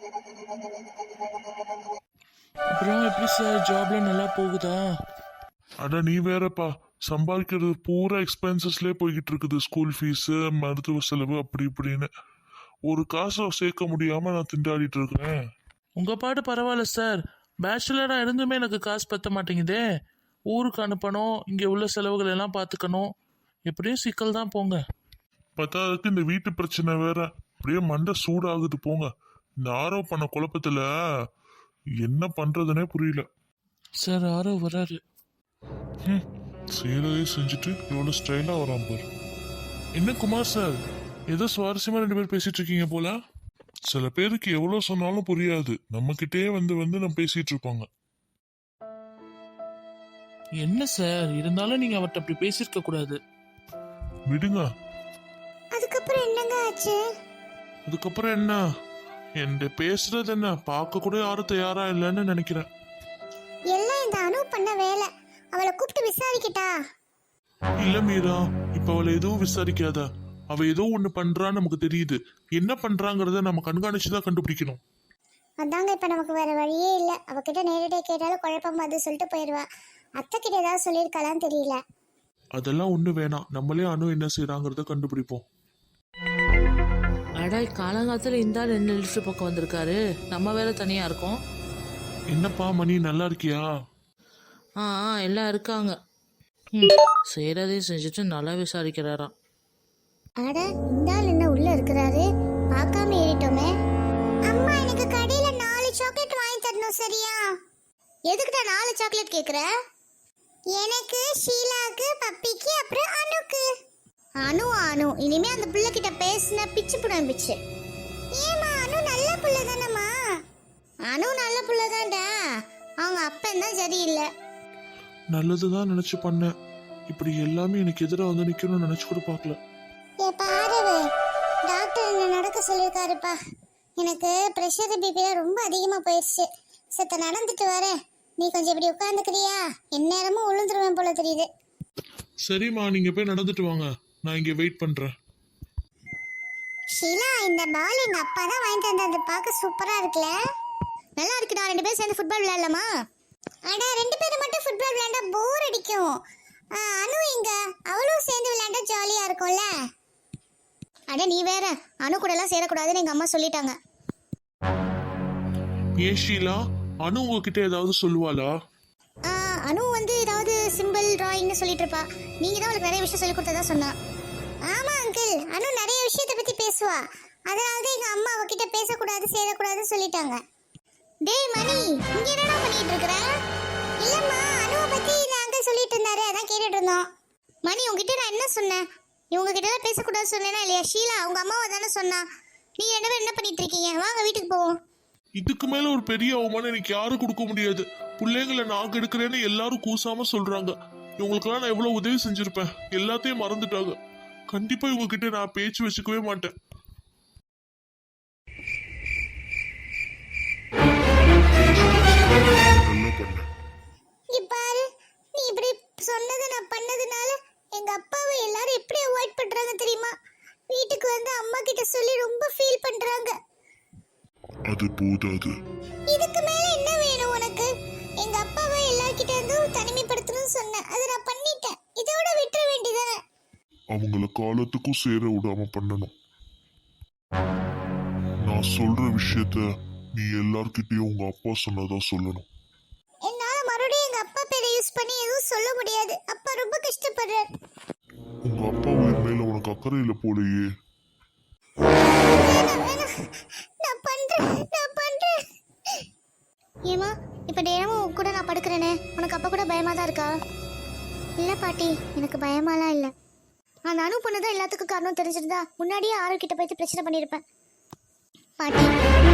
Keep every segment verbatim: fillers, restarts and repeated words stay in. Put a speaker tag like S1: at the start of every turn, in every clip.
S1: அப்புறம் எப்படி சார் ஜாப்ல நல்லா போகுதா?
S2: அட நீ வேறப்பா, சம்பாதிக்கிறது பூரா எக்ஸ்பென்சஸ்லேயே போய்கிட்டு இருக்குது. ஸ்கூல் ஃபீஸு, மருத்துவ செலவு, அப்படி இப்படின்னு ஒரு காசை சேர்க்க முடியாம நான் திண்டாடிட்டு இருக்கிறேன்.
S1: உங்க பாட்டு பரவாயில்ல சார். பேச்சுலரா இருந்துமே எனக்கு காசு பத்த மாட்டேங்குதே. ஊருக்கு அனுப்பணும், இங்க உள்ள செலவுகள் எல்லாம் பார்த்துக்கணும். எப்படியும் சிக்கல் தான் போங்க.
S2: பத்தாவதுக்கு இந்த வீட்டு பிரச்சனை வேற, அப்படியே மண்டை சூடாகுது போங்க. இந்த ஆரோ பண்ண குழப்பத்துல என்ன பண்றதுனே புரியல.
S1: சார் ஆரோ வராரு.
S2: ம் செய்யறதே செஞ்சுட்டு எவ்வளோ ஸ்டைலா வரான் பாரு.
S1: என்ன குமார் சார், ஏதோ சுவாரஸ்யமா ரெண்டு பேர் பேசிட்டு இருக்கீங்க போல.
S2: சில பேருக்கு எவ்வளோ சொன்னாலும் புரியாது, நம்ம கிட்டே வந்து வந்து நம்ம பேசிட்டு இருப்பாங்க.
S1: என்ன சார், இருந்தாலும் நீங்க அவர்கிட்ட அப்படி பேசியிருக்க கூடாது.
S2: விடுங்க.
S3: அதுக்கப்புறம் என்னங்க ஆச்சு?
S2: அதுக்கப்புறம் என்ன, என்கிட்ட பேசுறது என்ன, பார்க்க கூட யாரும் தயாரா இல்லைன்னு நினைக்கிறேன்.
S3: எல்லாம் இந்த அனு பண்ண வேலை. அவளை கூப்பிட்டு விசாரிக்கிட்டா?
S2: இல்ல மீரா, இப்ப அவளை எதுவும் விசாரிக்காத. அவ ஏதோ ஒண்ணு பண்றான்னு நமக்கு தெரியுது. என்ன பண்றாங்கறத நம்ம கண்காணிச்சுதான் கண்டுபிடிக்கணும்.
S3: அதாங்க இப்ப நமக்கு வேற வழியே இல்ல. அவகிட்ட நேரடியாக கேட்டாலும் குழப்பம் அது சொல்லிட்டு போயிடுவா. அத்தை கிட்ட ஏதாவது சொல்லியிருக்கலான்னு தெரியல.
S2: அதெல்லாம் ஒண்ணு வேணாம், நம்மளே அனு என்ன செய்யறாங்கறத கண்டுபிடிப்போம்.
S1: அடா, காலங்காலத்துல இந்த ஆள் என்ன லிஸ்ட் பக்கம் வந்திருக்காரு. நம்ம வேற தனியா இருக்கோம்.
S2: என்னப்பா மணி, நல்லா இருக்கியா?
S1: ஆ ஆ எல்லாம் இருக்காங்க. ம் செய்யறதையும் செஞ்சுட்டு நல்லா விசாரிக்கிறாராம்.
S3: அட, இந்த ஆள் என்ன உள்ள இருக்கிறாரு? பார்க்காம ஏறிட்டோமே. அம்மா, எனக்கு கடையில நாலு சாக்லேட் வாங்கி தரணும், சரியா? எதுக்குடா நாலு சாக்லேட் கேக்குற? எனக்கு, ஷீலாக்கு, பப்பிக்கு, அப்புறம் அனுக்கு. அனு அனு இனிமே அந்த பிள்ளை கிட்ட பேசின பிச்சு புடம் பிச்சு. ஏமா, அனு நல்ல பிள்ளை தானம்மா? அனு நல்ல பிள்ளை தான்டா, அவங்க அப்பன் தான் சரியில்லை.
S2: நல்லதுதான் நினைச்சு பண்ணேன். இப்படி எல்லாமே எனக்கு எதிராக வந்து நிக்கணும்னு நினைச்சு கூட பார்க்கல.
S3: ஏ பாரவு, டாக்டர் என்ன நடக்க சொல்லியிருக்காருப்பா. எனக்கு ப்ரெஷர் பிபி ரொம்ப அதிகமா போயிடுச்சு. சத்த நடந்துட்டு வரேன், நீ கொஞ்சம் இப்படி உட்காந்துக்கிறியா? எந்நேரமும் விழுந்துருவேன் போல தெரியுது.
S2: சரிம்மா, நீங்க போய் நடந்துட்டு வாங்க, நான் இங்க வெயிட் பண்றேன்.
S3: ஷீலா, இந்த பால் எங்க அப்பா தான் வாங்கிட்டு வந்தது. பார்க்க சூப்பரா இருக்குல்ல? நல்லா இருக்குடா. ரெண்டு பேரும் சேர்ந்து ஃபுட்பால் விளையாடலாமா? அடா, ரெண்டு பேரும் மட்டும் ஃபுட்பால் விளையாண்டா போர் அடிக்கும். அனு எங்க? அவளும் சேர்ந்து விளையாண்டா ஜாலியா இருக்கும்ல. அட நீ வேற, அனு கூட எல்லாம் சேரக்கூடாதுன்னு எங்க அம்மா சொல்லிட்டாங்க.
S2: ஏன் ஷீலா, அனு உங்ககிட்ட ஏதாவது சொல்லுவாளா?
S3: அனு வந்து ஏதாவது சிம்பிள் டிராயிங்னு சொல்லிட்டு இருப்பா. நீங்க தான் அவளுக்கு நிறைய விஷயம் சொல்லி கொடுத்ததா சொன்னா. ஆமா அங்கிள், அனு நிறைய விஷயத்தை பத்தி பேசுவா. அதனால தான் எங்க அம்மா அவகிட்ட பேசக்கூடாது சேரக்கூடாதுன்னு சொல்லிட்டாங்க. டேய் மணி, இங்க என்னடா பண்ணிட்டு இருக்கற? இல்லம்மா, அனுவை பத்தி அங்கிள் சொல்லிட்டு இருந்தாரு, அதான் கேட்டுட்டு இருந்தோம். மணி, உங்ககிட்ட நான் என்ன சொன்னேன்? இவங்க கிட்ட எல்லாம் பேசக்கூடாது சொன்னேனா இல்லையா? ஷீலா உங்க அம்மாவை தானே சொன்னா. நீ என்ன என்ன பண்ணிட்டு இருக்கீங்க? வாங்க வீட்டுக்கு போவோம்.
S2: இதுக்கு மேல ஒரு பெரிய அவமானம் எனக்கு யாரும் கொடுக்க முடியாது. பிள்ளைங்களை நாக்கு எடுக்கிறேன்னு எல்லாரும் கூசாம சொல்றாங்க. இவங்களுக்கெல்லாம் நான் எவ்வளவு உதவி செஞ்சிருப்பேன், எல்லாத்தையும் மறந்துட்டாங்க. கண்டிப்பா இவங்க கிட்ட நான் பேச்சு வச்சுக்கவே மாட்டேன்.
S3: பாரு, நீ இப்படி சொன்னது நான் பண்ணதுனால எங்க அப்பாவை எல்லாரும் எப்படி அவாய்ட் பண்றாங்க தெரியுமா? வீட்டுக்கு வந்து அம்மா கிட்ட சொல்லி ரொம்ப ஃபீல் பண்றாங்க.
S2: அது போதாது.
S3: இதுக்கு மேல என்ன வேணும் உனக்கு? எங்க அப்பாவை எல்லார்கிட்ட இருந்தும் தனிமைப்படுத்தணும்னு சொன்னேன், அதை நான் பண்ணிட்டேன். இதோட விட்டுற வேண்டியதானே?
S2: அவங்கள காலத்துக்கும் சேர விடாம பண்ணணும். நான் சொல்ற விஷயத்த நீ எல்லார்கிட்டயும் உங்க அப்பா சொன்னதா சொல்லணும்.
S3: என்னால மறுபடியும் எங்க அப்பா பேரை யூஸ் பண்ணி எதுவும் சொல்ல முடியாது. அப்பா ரொம்ப கஷ்டப்படுறார்.
S2: உங்க அப்பா உயிர் மேல உனக்கு அக்கறை இல்ல போலயே.
S3: நான் பண்றேன் நான் பண்றேன். ஏமா, இப்ப நேரமும் கூட நான் படுக்கிறேனே, உனக்கு அப்பா கூட பயமா தான் இருக்கா? இல்ல பாட்டி, எனக்கு பயமாலாம் இல்ல. அந்த அனு பொண்ணுதான் எல்லாத்துக்கும் காரணம் தெரிஞ்சிருந்தா முன்னாடியே ஆறு கிட்ட போயிட்டு பிரச்சனை பண்ணிருப்பேன். பாட்டி,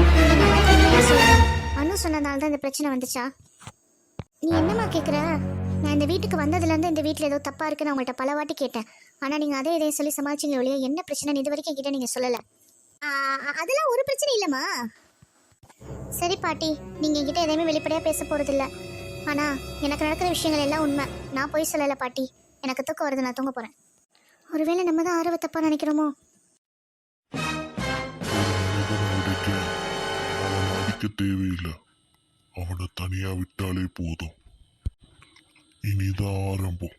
S3: அனு சொன்னதால தான் இந்த பிரச்சனை வந்துச்சா? நீ என்னம்மா கேக்குற? நான் இந்த வீட்டுக்கு வந்ததுல இருந்து இந்த வீட்டுல ஏதோ தப்பா இருக்குன்னு உங்கள்கிட்ட பல வாட்டி கேட்டேன். ஆனா நீங்க அதே இதையும் சொல்லி சமாளிச்சிங்க ஒழிய என்ன பிரச்சனை இது வரைக்கும் என்கிட்ட நீங்க சொல்லல. அதெல்லாம் ஒரு பிரச்சனை இல்லம்மா. சரி பாட்டி, நீங்க என்கிட்ட எதையுமே வெளிப்படையா பேச போறது இல்ல. ஆனா எனக்கு நடக்கிற விஷயங்கள் எல்லாம் உண்மை. நான் போய் சொல்லல பாட்டி. எனக்கு தூக்கம் வருது, நான் தூங்க போறேன். ஒருவேளை நம்ம தான் ஆர்வ தப்பா நினைக்கிறோமோ?
S4: யோசிக்க தேவையில்லை. அவனை தனியா விட்டாலே போதும். இனிதான் ஆரம்பம்.